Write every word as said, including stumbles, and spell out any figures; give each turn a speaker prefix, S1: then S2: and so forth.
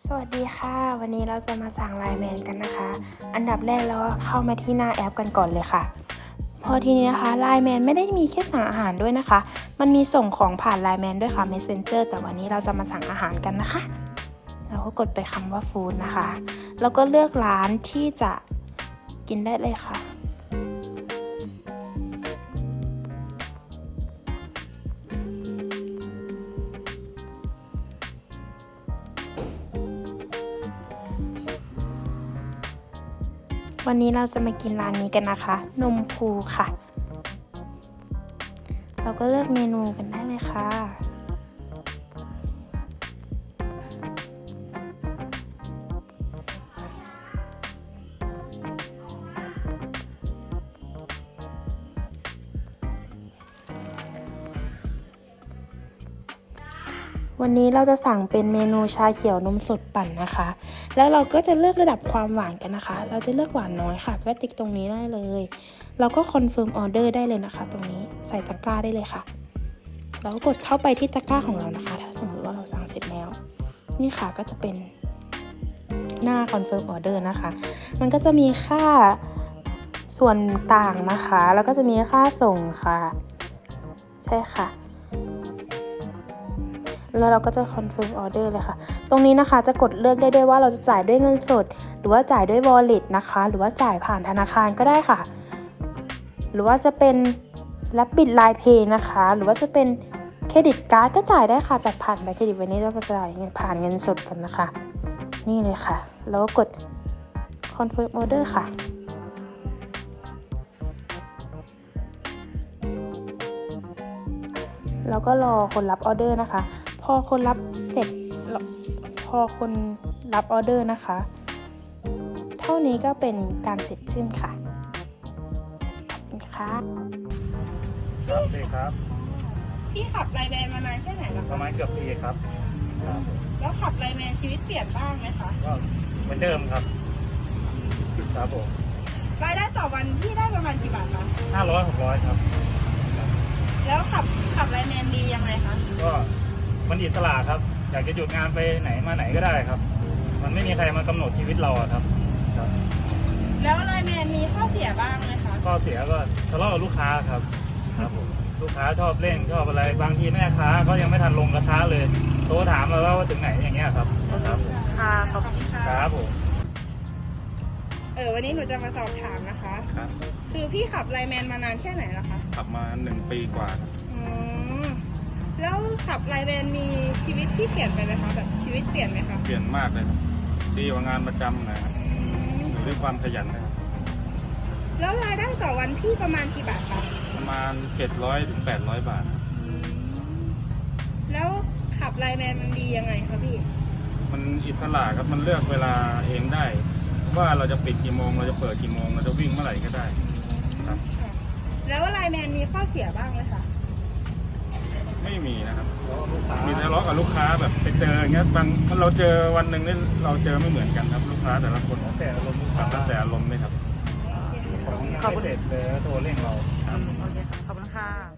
S1: สวัสดีค่ะวันนี้เราจะมาสั่งไลน์แมนกันนะคะอันดับแรกเราก็เข้ามาที่หน้าแอปกันก่อนเลยค่ะพอทีนี้นะคะไลน์แมนไม่ได้มีแค่สั่งอาหารด้วยนะคะมันมีส่งของผ่านไลน์แมนด้วยค่ะ Messenger แต่วันนี้เราจะมาสั่งอาหารกันนะคะเราก็กดไปคำว่าฟู้ดนะคะแล้วก็เลือกร้านที่จะกินได้เลยค่ะวันนี้เราจะมากินร้านนี้กันนะคะนมคูค่ะเราก็เลือกเมนูกันได้เลยค่ะวันนี้เราจะสั่งเป็นเมนูชาเขียวนมสดปั่นนะคะแล้วเราก็จะเลือกระดับความหวานกันนะคะเราจะเลือกหวานน้อยค่ะก็ติ๊กตรงนี้ได้เลยเราก็คอนเฟิร์มออเดอร์ได้เลยนะคะตรงนี้ใส่ตะกร้าได้เลยค่ะเราก็กดเข้าไปที่ตะกร้าของเรานะคะถ้าสมมติว่าเราสั่งเสร็จแล้วนี่ค่ะก็จะเป็นหน้าคอนเฟิร์มออเดอร์นะคะมันก็จะมีค่าส่วนต่างนะคะแล้วก็จะมีค่าส่งค่ะใช่ค่ะแล้วเราก็จะคอนเฟิร์มออเดอร์เลยค่ะตรงนี้นะคะจะกดเลือกได้ด้วยว่าเราจะจ่ายด้วยเงินสดหรือว่าจ่ายด้วย Wallet นะคะหรือว่าจ่ายผ่านธนาคารก็ได้ค่ะหรือว่าจะเป็นรับบิด ไลน์ เพย์ นะคะหรือว่าจะเป็นเครดิตการ์ดก็จ่ายได้ค่ะแต่ผ่านบัตรเครดิตวันนี้เราจะจ่ายผ่านเงินสดกันนะคะนี่เลยค่ะแล้วก็กดคอนเฟิร์มออเดอร์ค่ะแล้วก็รอคนรับออเดอร์นะคะพอคนรับเสร็จพอคนรับออเดอร์นะคะเท่านี้ก็เป็นการเสร็จสิ้นค่ะขอบคุณค่ะ
S2: ครับดีครับ
S3: พี่ขับไลน์แมนมานานแค่ไหนแล้ว
S2: ป
S3: คะ
S2: ระมาณเกือบปีครับครับ
S3: แล้วขับไลน์แมนชีวิตเปลี่ยนบ้างไหมคะ
S2: ก็เหมือนเดิมครับครับผม
S3: รายได้ต่อวันพี่ได้ประมาณกี่บาทคะ
S2: ห้าร้อยหกร้อยครับ
S3: แล้วขับขับไลน์แมนดียังไงคะ
S2: ก็มันอิสระครับอยากจะหยุดงานไปไหนมาไหนก็ได้ครับ มันไม่มีใครมากำหนดชีวิตเราอะครับครับ
S3: แล้วไลน์แมนมีข้อเสียบ้างไหมคะ
S2: ข้อเสียก็ทะเลาะกับลูกค้าครับครับผมลูกค้าชอบเล่นชอบอะไรบางทีแม่ค้าก็ยังไม่ทันลงกระทะเลยโทรถามเราว่าถึงไหนอย่างเงี้ยครับครับผม
S3: ค่ะขอบคุณค่ะ
S2: ครับผม
S3: เออวันนี้หนูจะมาสอบถามนะคะ
S4: ครับ
S3: คือพี่ขับไลน์แมนมานานแค่ไหนแล้วคะ
S4: ขับมาหนึ่งปีกว่าครับ
S3: อืมแล้วขับไลน์แมนมีชีวิตที่เปลี่ยนไปไหมคะแบบชีวิตเปลี่ยนไหมคะ
S4: เปลี่ยนมากเลยครับดีกว่างานประจำนะครับอยู่ด้วยความขยันนะครับ
S3: แล้วรายได้ต่อวันพี่ประมาณกี่บาทคะ
S4: ประมาณเจ็ดร้อยถึงแปดร้อยบาทครับ
S3: แล้วขับไลน์แมนมันดียังไงคะพี่
S4: มันอิสระครับมันเลือกเวลาเองได้ ว่าเราจะปิดกี่โมงเราจะเปิดกี่โมงเราจะวิ่งเมื่อไหร่ก็ได้ครับ
S3: แล้วไลน์แมนมีข้อเสียบ้างไหมคะ
S4: ไม่มีนะครับ
S2: แล้วลูกค้า
S4: มีทะเลาะกับลูกค้าแบบไปเจออย่างเงี้ยบางเราเจอวันหนึ่งนี่เราเจอไม่เหมือนกันครับ ลูกค้าแต่ละคน
S2: แต่อารมณ์ลูก
S4: ครั
S2: ค้า
S4: บแล้วแต่อารมณ์เลยครับ
S2: ของไม่เสร็จเลยโทรเร่งเรา
S4: ครับ
S3: โอเคค่ะ ขอบคุณค่ะ